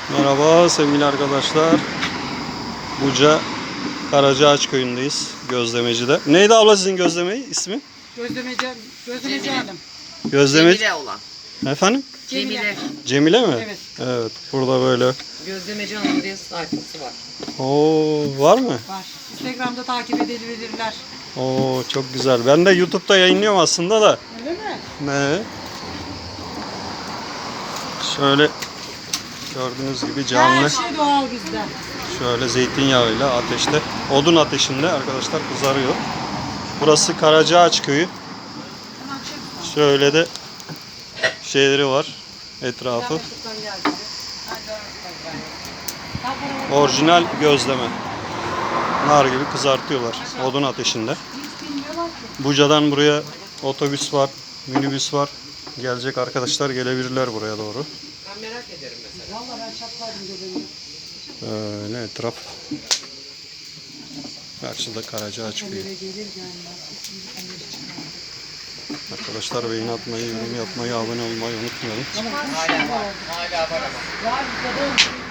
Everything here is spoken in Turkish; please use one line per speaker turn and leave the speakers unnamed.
Merhaba sevgili arkadaşlar. Buca Karacaağaç köyündeyiz. Gözlemeci'de. Neydi abla sizin gözlemeyi ismi?
Gözlemeci hanım.
Gözlemeci.
Cemile olan.
Efendim?
Cemile.
Cemile mi?
Evet.
Evet. Burada böyle.
Gözlemeci Hanım diye sayfası var.
Oo, var mı?
Var. Instagram'da takip edebilirler.
Oo, çok güzel. Ben de YouTube'da yayınlıyorum aslında da.
Öyle mi?
Ne? Şöyle gördüğünüz gibi
Her
canlı.
şey doğal bizde.
Şöyle zeytinyağıyla ateşte, odun ateşinde arkadaşlar kızarıyor. Burası Karacaağaç köyü. Şöyle de şeyleri var etrafı. Orijinal gözleme. Nar gibi kızartıyorlar odun ateşinde. Buca'dan buraya otobüs var, minibüs var. Gelecek arkadaşlar gelebilirler buraya doğru.
Ben merak ederim mesela.
Vallahi ben çatlardım gözümü.
Öyle etraf. Karşıda Karacaağaç köyü.
Gelir gelmez.
Arkadaşlar beğeni atmayı, yorum yapmayı, abone olmayı unutmayalım.
Hala var ama.
Var bizde de.